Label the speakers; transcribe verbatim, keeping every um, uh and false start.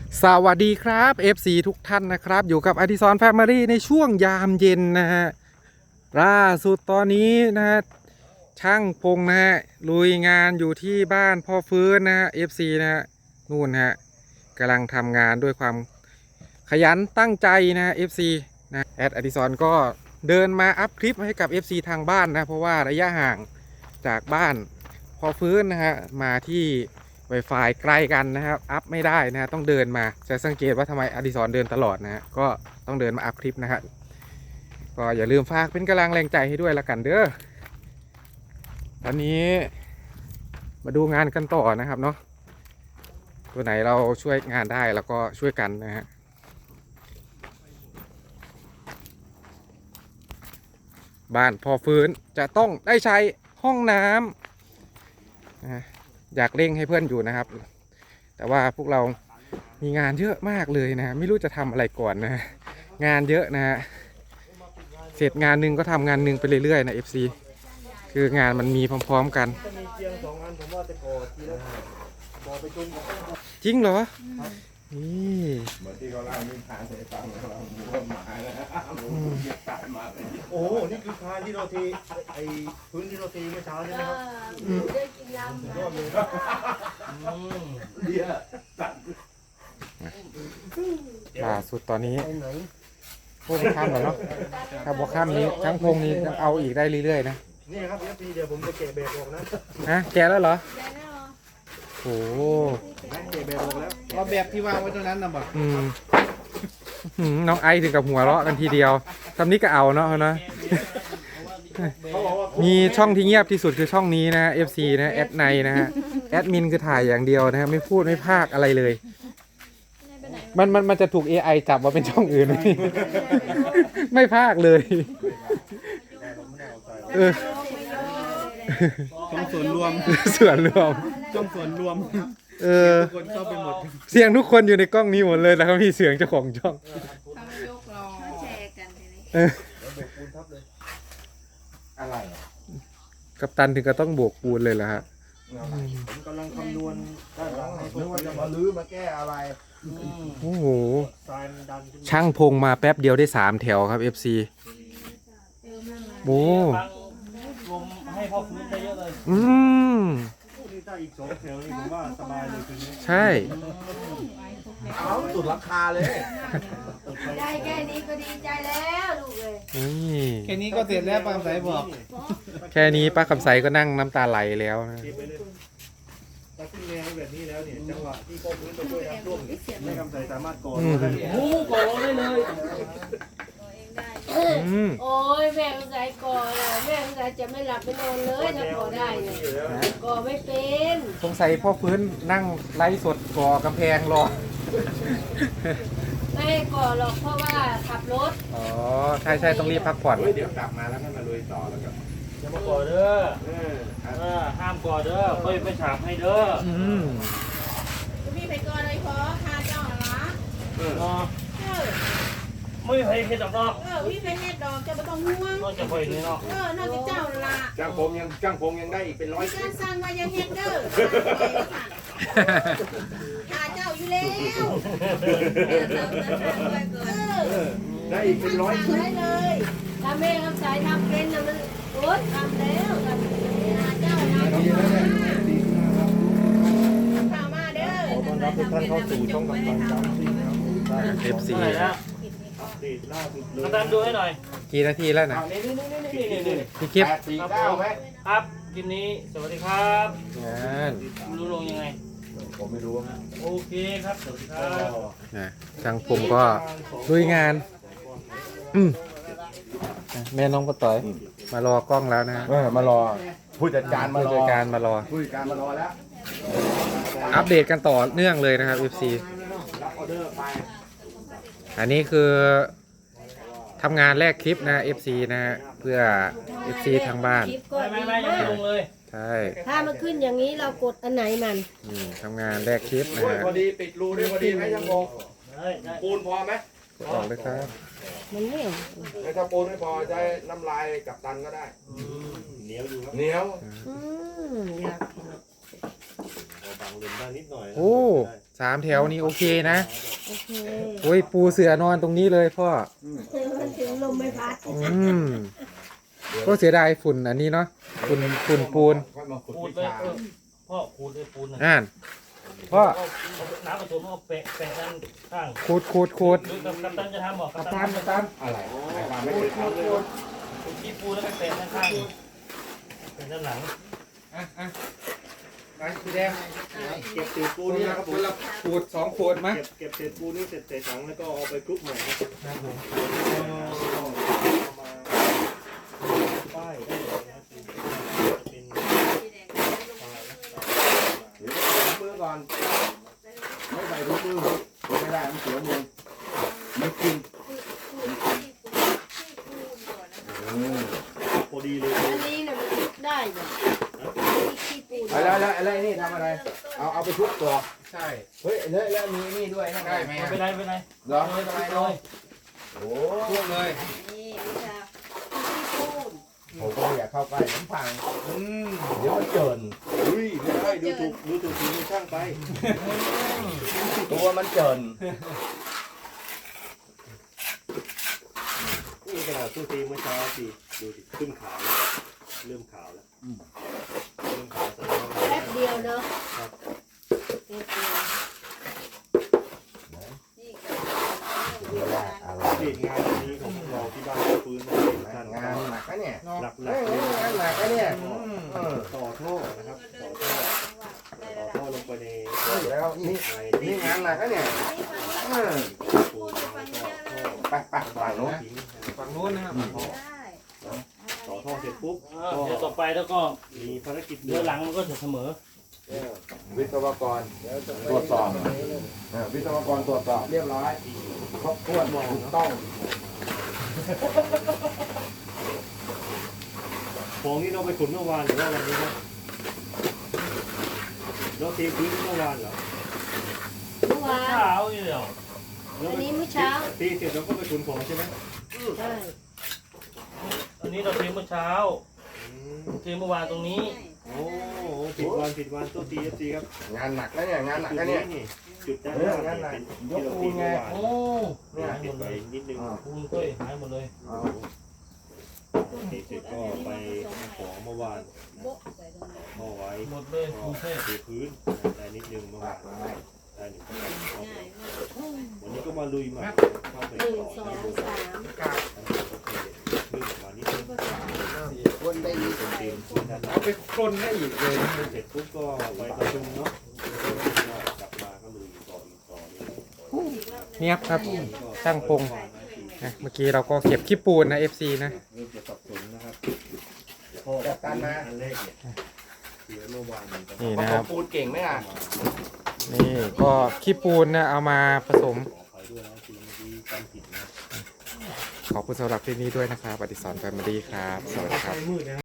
Speaker 1: สวัสดีครับ เอฟ ซี ทุกท่านนะครับอยู่กับอดิศรแฟมิลี่ในช่วงยามเย็นนะฮะล่าสุดตอนนี้นะฮะช่างพงนะฮะลุยงานอยู่ที่บ้านพ่อฟื้นนะฮะ เอฟ ซี นะฮะนู่นฮะกำลังทำงานด้วยความขยันตั้งใจนะฮะ เอฟ ซี นะแอดอดิศรก็เดินมาอัพคลิปให้กับ เอฟ ซี ทางบ้านนะเพราะว่าระยะห่างจากบ้านพ่อฟื้นนะฮะมาที่Wi-Fi ใกล้กันนะครับอัพไม่ได้นะฮะต้องเดินมาจะสังเกตว่าทำไมอดิศรเดินตลอดนะฮะก็ต้องเดินมาอัพคลิปนะฮะก็อย่าลืมฝากเป็นกำลังแรงใจให้ด้วยละกันเด้อตอนนี้มาดูงานกันต่อนะครับเนาะตัวไหนเราช่วยงานได้แล้วก็ช่วยกันนะฮะบ้านพอฟื้นจะต้องได้ใช้ห้องน้ำนะอยากเร่งให้เพื่อนอยู่นะครับแต่ว่าพวกเรามีงานเยอะมากเลยนะไม่รู้จะทำอะไรก่อนนะงานเยอะนะฮะเสร็จงานหนึ่งก็ทำงานหนึ่งไปเรื่อยๆนะ เอฟ ซี คืองานมันมีพร้อมๆกันจริงเหรอนี่เหมือนที่เขาเล่านิทานให้ฟังเราหมูหมานะตายมาเลย
Speaker 2: โอ้นี่คือคานที่เราเทไอ้พื้นที่เราเทเมื่อเช้าใช่ไหมครับ
Speaker 3: ได้กินน้ำ
Speaker 2: ยอดเลย
Speaker 1: เดี๋ยวล่าสุดตอนนี้พวกข้ามแล้วเนาะถ้าบวกข้ามนี้ทั้งพงนี้ยังเอาอีกได้เรื่อยๆนะ
Speaker 2: นี่ครับเอฟซีเดี๋ยวผมจะแกะแบบออกนะ
Speaker 1: ฮะแกะแล้วเหรอโอ้
Speaker 2: แกะแบบออกแล้ว
Speaker 4: เอาแบบที่วางไว้ตรงนั้นนะบอก
Speaker 1: อืมน้องไอถึงกับหัวเราะกันทีเดียวทำนี้ก็เอาเนาะเนาะมีช่องที่เงียบที่สุดคือช่องนี้นะ เอฟ ซี นะแอดไนนะฮะแอดมินคือถ่ายอย่างเดียวนะฮะไม่พูดไม่พากอะไรเลยมันมันมันจะถูก เอ ไอ จับว่าเป็นช่องอื่นไหมไม่พากเลยเออ
Speaker 4: ช่องส่วนรวม
Speaker 1: ส่วนรวม
Speaker 4: ช่องส่วนรวม
Speaker 1: เออ
Speaker 4: ทุกคนเข้าไปหมด
Speaker 1: เสียงทุกคนอยู่ในกล้องนี้หมดเลยแล้วก็มีเสียงเจ้าของช่อง
Speaker 3: ยกรอแชร์กันทีนี้
Speaker 2: อะไร
Speaker 1: กัปตันถึงก็ต้องโบกปูนเลยเหรอฮะ
Speaker 2: ผมกำลังคำนวณด้านหลังให้นึกว่าจะมาลื้อมาแก้อะไร
Speaker 1: โอ้โห
Speaker 2: ทรายมันดัน
Speaker 1: ช่างพงมาแป๊บเดียวได้สามแถวครับ เอฟ ซี โอ้
Speaker 4: รวมให้พ่อฟื้นได้เยอะเลย
Speaker 1: อืม
Speaker 2: นี่ถ้าอีกสองแถวนี่ผมว่าสบายเลยคืนนี้
Speaker 1: ใช่
Speaker 2: เอาสุดราคาเลย
Speaker 3: ได้แค่นี้ก็ดีใจแล้วลูกเลย
Speaker 4: แค่นี้ก็เสร็จแล้วป้าคำใสบอก
Speaker 1: แค่นี้ป้าคำใสก็นั่งน้ำตาไหลแล้วนะ
Speaker 2: ถ้าขึ้นแนวแบบนี้แล้วเนี่ยจังหวะที่พ่อพื้นมาช่วยทำร่วมไม่คำใสสามารถก่อได้
Speaker 4: โอ้ก่อได้เลย
Speaker 3: โอ้ยแม่คำใสก่อเลยแม่คำใสจะไม่หลับไม่นอนเลยถ้าก่อได้เนี่ยก่อไม่เป็น
Speaker 1: สงสัยพ่อพื้นนั่งไล่สดก่อกำแพงรอ
Speaker 3: ไม่ก่อหรอกเพราะว่าขับรถ
Speaker 1: อ๋อใช่ใช่ต้องรีบพักผ่อน
Speaker 2: เดี๋ยวกลับมาแล้วก็มาลุยต่อแล้วกัน
Speaker 4: อย่ามาก่อเด้อเออห้ามก่อเด้อค่อยไปฉาบให้เด้อ
Speaker 1: อืม
Speaker 3: พี่ไปก่อเลยพอคาเจ้าหรอ
Speaker 4: เออไม่ไปเฮ็ดดอกเนาะ
Speaker 3: เออพี่ไปเฮ็ดดอกจะไม่ต้องห่วง
Speaker 4: นอกจากไปนี่เนาะ
Speaker 3: เออนอกจากเจ้าละ
Speaker 2: จ้างผมยังจ้างผมยังได้อีกเป็นร้อย
Speaker 3: การสร้างมายังเฮ็ดเด้อหาเจ้าอยู่แล้ว
Speaker 2: ได้อีกเป็นร้อย
Speaker 3: ชิ้นเลยถ้าแม่คำสายทำเป็นนะมันโอ๊ยทำแล้วทำหาเจ้าหาเจ้าข่าวมาเด้อ
Speaker 2: ขอต้อนรับทุกท่านเข้าสู่ช่องกับตันจำซิ่งครับ
Speaker 1: เอฟ ซี
Speaker 4: กระตันดูให้หน่อย
Speaker 1: กี่นาทีแล้วนะ
Speaker 4: นี่นี่นี่นี่นี่นี่
Speaker 1: พี่คลิป
Speaker 2: แปดสี่เก้าไหม
Speaker 4: ครับคลิปนี้สวัสดีครับ
Speaker 1: งาน
Speaker 4: รู้ลงยังไง
Speaker 2: ผมไม่รู้นะ
Speaker 4: โอเคครับสวัสดีครับ
Speaker 1: ช่างผมก็ลุยงานอืมแม่น้องก็ต่อยมารอกล้องแล้วนะ
Speaker 2: มารอผู้จัดการมารอ
Speaker 1: ผู้จัดการมารอ
Speaker 2: ผู้จัดการมารอแล้ว
Speaker 1: อัปเดตกันต่อเนื่องเลยนะครับ เอฟ ซี
Speaker 2: รับออเดอร์ไป
Speaker 1: อันนี้คือทำงานแรกคลิปนะ เอฟ ซี นะเพื่อ เอฟ ซี ทางบ้าน
Speaker 4: ไม่ไม่ไม่ยังไม่ลงเลย
Speaker 1: ใช่
Speaker 3: ถ้ามันขึ้นอย่างนี้เรากดอันไหนมัน
Speaker 1: ทำงานแรกคลิปนะฮะ
Speaker 2: พอดีปิดรูได้พอดีไหมช่างพงปูนพอไหม
Speaker 1: ออกเลยครับ
Speaker 3: มันเหนียว
Speaker 2: ถ้าปูนไม่พอใช้น้ำลายกับตันก็ได้เหนียวอยู่ครับเหนียว
Speaker 3: อยาก
Speaker 2: างเลนได้นิดหน่อยนะ
Speaker 1: โอ้สามแถวนี้โอเคนะ
Speaker 3: โอเค
Speaker 1: โอ้ยปูเสือนอนตรงนี้เลยพ่อ
Speaker 3: มันถึงลมไม่พัด
Speaker 1: อืมก็เสียดายฝุ่นอันนี้เนาะฝุ่นฝุ่นปูน
Speaker 5: ค่อยมาขุด
Speaker 4: ปูน
Speaker 5: วิ
Speaker 4: เลย
Speaker 5: ชา
Speaker 4: เออพ่อปูนเลยปูนนะ
Speaker 1: อ่านพ่อ
Speaker 4: เอาน้ำผสมเอาแปะแปะด้านข้าง
Speaker 1: ขูดขูดขูด
Speaker 4: หรือกับกัปตันจะทำหรอกัปตั
Speaker 1: ตาม
Speaker 4: น
Speaker 1: ตาม
Speaker 5: อะไรใครมาไม่เคยทำเลย
Speaker 4: ปูที่ปูแล้วก็แปะด้านข้างแปะด้านหลัง
Speaker 1: อ่ะอ่ะไปสีแดง
Speaker 2: เก็บเศษปู
Speaker 1: ปู
Speaker 2: นี่
Speaker 1: นี่
Speaker 2: นะ
Speaker 1: ค
Speaker 2: ค
Speaker 1: รั
Speaker 2: รั
Speaker 1: บบ ค
Speaker 2: ผม
Speaker 1: นละขูดสองขวดมั้ย
Speaker 2: เก็บเก็บเศษปูนี่เสร็จใส่ถังแล้วก็เอาไปคลุกใหม่ครับ
Speaker 1: ครับผม
Speaker 2: เอามาป้ายได้เลยนะครับเป็น
Speaker 5: เดี๋ยวถุงมือก่อนไม่ใส่ถุงมือไม่ได้มันเสียมือไม่กินอืม
Speaker 2: พอดีเลย
Speaker 3: อันนี้เนี่ยมันทุกได้เนี่ยขี้ปูน
Speaker 5: แล้วแล้วแล้วนี่ทำอะไร เอาเอาไปทุบก่อน
Speaker 1: ใช่
Speaker 5: เฮ้ยแล้วแล้วมีนี่ด้วยนะ
Speaker 1: ได้ไหม
Speaker 4: ไม่เป็นไรไม่เป็นไร
Speaker 5: เหรอ
Speaker 4: เลยเลยเลย
Speaker 5: โอ้
Speaker 1: ท่วมเลย
Speaker 3: นี่วิชาขี้ปูน
Speaker 5: ผมก็อยากเข้าใกล้น้ำพัง
Speaker 1: อืม
Speaker 5: เดี๋ยวมันเจิน
Speaker 2: อุ้ยไม่ได้ดูถูกดูถูกทีมช่างไป
Speaker 5: ตัวมันเจิน
Speaker 2: นี่ขนาดตู้ตีเมื่อเช้าสิดูดิขึ้นขาวแล้วเริ่มขาวแล้วเริ่มขาวแสดงว่า
Speaker 3: แป๊บเดียวเนาะ
Speaker 2: ครับ
Speaker 3: แป๊บเดียว
Speaker 5: เดี๋ยวว่าอะไร
Speaker 2: เด็ดงานอันนี้ของเราที่บ้านฟื้นนะท่าน
Speaker 5: งานหนักนะเนี่ย
Speaker 2: หลักหลั
Speaker 5: เฮ้
Speaker 2: ก
Speaker 5: ย
Speaker 2: เลย
Speaker 5: งานหนักนะเนี่ยเออ
Speaker 2: ต่อท่อนะครับต่อท่อต่อท่อลงไปใน
Speaker 5: แล้วนี่
Speaker 2: ใน
Speaker 5: นี่งานหนักนะเนี่ยเออ
Speaker 2: ปูนแล้วก็ท่อ
Speaker 5: ไปไปฝั่งโน้น
Speaker 2: ทิ้งนะครับ
Speaker 1: ฝั่งนู้นนะครับ
Speaker 2: ต่อท่อเสร็จปุ๊บ
Speaker 4: เออเดี๋ยวต่อไปแล้วก็
Speaker 2: มีภารกิจ
Speaker 4: เดี๋ยวหลังมันก็จะเสมอ
Speaker 5: วิศวกรตรวจสอบเออวิศวกรตรวจสอบเรียบร้อยครบถ้วนถูกต้อง
Speaker 2: ของนี่เราไปขนเมื่อวานหรือว่าวันนี้นะเราเทพื้นเมื่อวานเหรอ
Speaker 3: เมื่อวาน
Speaker 4: เช้าอยู่เดียว
Speaker 3: อันนี้เมื่อเช้า
Speaker 2: ตีเสร็จเราก็ไปขนของใช่ไหม
Speaker 3: ใช่
Speaker 4: อันนี้เราเทเมื่อเช้า
Speaker 2: อืม
Speaker 4: เทเมื่อวานตรงนี้
Speaker 2: โอ้ผิดวันผิดวันตัวตีเอฟซีครับ
Speaker 5: งานหนักนะเนี่ยงานหนัก
Speaker 2: จุด
Speaker 5: นะเนี่ย
Speaker 2: นี่จุดด้าน
Speaker 5: เอ
Speaker 2: ห
Speaker 5: อ
Speaker 2: น้า
Speaker 5: งั้นน่ะ
Speaker 2: เป็น
Speaker 5: ย
Speaker 2: ที่
Speaker 5: ก
Speaker 2: เรา
Speaker 5: ปู
Speaker 2: ตี
Speaker 5: นไง
Speaker 2: เมื่อวาน
Speaker 4: โอ้
Speaker 2: เนี่ยปิดไว้นิดนึง
Speaker 4: ปูนก็หายหมดเลย
Speaker 2: ตีเสร็จก็ไปเอาของเมื่อวานห่อไว้
Speaker 4: หมดเลยปูนเทพ
Speaker 2: เทพื้นได้นิดนึงเมื่อวานได้หนึ่งคนวันนี้ก็มาลุยใหม่เข้าไป
Speaker 3: หนึ่ง
Speaker 2: ต่อ
Speaker 3: สอง
Speaker 2: ที่บน
Speaker 3: สาม
Speaker 1: กาด
Speaker 2: เรื่องมานิดนึง
Speaker 5: คนได้ดี
Speaker 2: เต็มเต็มที่ด้านหน้า
Speaker 1: เอาไปกลนได้อีกเลย
Speaker 2: เสร็จปุ๊บก็ไปประชุมเนาะกลับมาก็ลุยต่ออีกต่อเลย
Speaker 1: เนียบครับช่างพงนะเมื่อกี้เราก็เก็บขี้ปูนนะ เอฟ ซี นะ
Speaker 2: เริ่มจะสับสนนะครับ
Speaker 5: จัดการมา
Speaker 2: อันแรกเนี่ยเสียเมื่อวานนี้ก็
Speaker 1: นี่
Speaker 5: ผ
Speaker 1: นะ
Speaker 5: ส
Speaker 1: ครั
Speaker 5: ม
Speaker 1: บ
Speaker 5: ปูนเก่งไหมอ่ะ
Speaker 1: นี่ก็ขี้ปูนนะเอามาผสม
Speaker 2: ขออภัยด้วยนะทีเมื่อกี้จำผิดนะ
Speaker 1: ขอบคุณสำหรับคลิปนี้ด้วยนะครับอดิศรแฟมิลี่ครับ สวัสดีครับ
Speaker 2: มืดนะ